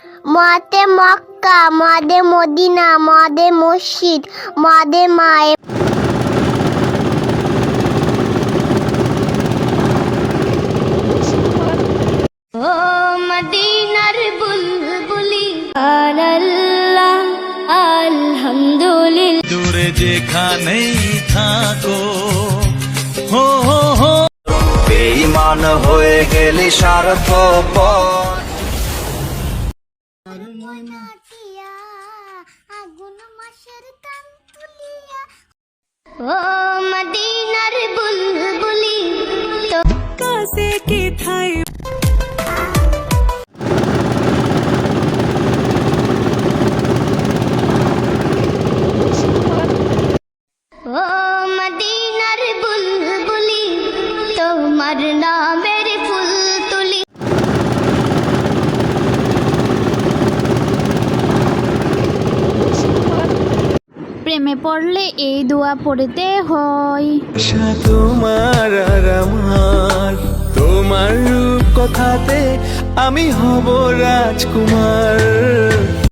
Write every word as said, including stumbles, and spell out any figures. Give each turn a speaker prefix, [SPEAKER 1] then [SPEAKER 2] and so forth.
[SPEAKER 1] মতে মক্কা, মদে মদিনা, মদে মসজিদ, মদে মায়ে। ও মদিনার বুলবুলি আল্লাহ আলহামদুলিল্লাহ।
[SPEAKER 2] দূরে যেখানেই থাকো হো হো হো, বেঈমান হয়ে গেলি স্বার্থপর।
[SPEAKER 1] আগুন মাসের কান তুলিয়া ও মদিনার বুলবুলি তো
[SPEAKER 3] কাছে কি ঠাই
[SPEAKER 1] ও মদিনার বুলবুলি তোমার নামের ফুল তুলি।
[SPEAKER 4] প্রেমে পড়লে এই দোয়া পড়তে হয়।
[SPEAKER 3] আশা তোমার আর আমার, তোমার রূপ কথাতে আমি হব রাজকুমার।